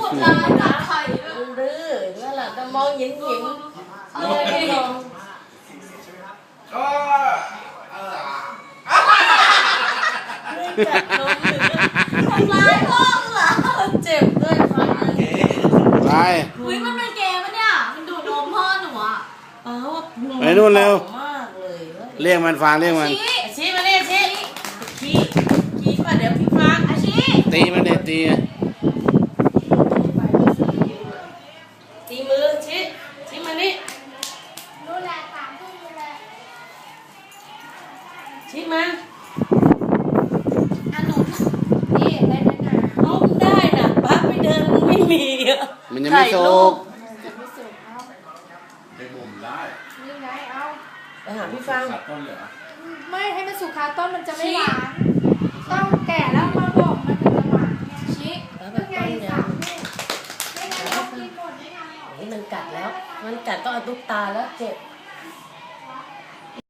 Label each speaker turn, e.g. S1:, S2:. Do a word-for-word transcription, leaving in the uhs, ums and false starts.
S1: เราจับไข่ดื้อนั่นแหละจะมองหยิ้มหยิ้มเลยไม่ลงก็กัดนมหรือทำร้ายพ่อเหรอเจ็บด้วยฟัง
S2: ไป
S3: อุ้ยมันเป็นเกมปะเนี่ยมันดูดนมพ่อหนูอ่ะ
S1: อ้าว
S2: ไปนู่นเร็ว
S1: มากเลย
S2: เรียกมันฟังเรียกมัน
S1: ชี้มาเนี่ยชี้ชี้ชี้ป่ะเดี๋ยวพี่ฟังอาชี
S2: ตีมันเด็ดตี
S1: ตีมือชี้ชี้มานี่
S3: ดูแลสามทุ่มดูแล
S1: ชี้มา
S3: อันหนูนี่ได้ไหมนะ
S1: เอาได้น่ะป้าไปเดินไม่มีอ่ะ
S2: มันยังไม่สุก
S3: จะไม่สุกเอา
S4: ไปบ่มได้
S3: นี่ไงเอา
S1: ไปหาพี่ฟัง
S4: ต้นเหรอ
S3: ไม่ให้มันสุกคาต้นมันจะไม่หวานต้องแก่แล้วมาบ่มมันถึงจะหวานไงชี้เป็นไงสามทุ่มไม่งั้นเรากินหมดไม่ทันหรอก
S1: นี่มันกัดแล้วมันกัดก็เอาตุ๊กตาแล้วเจ็บ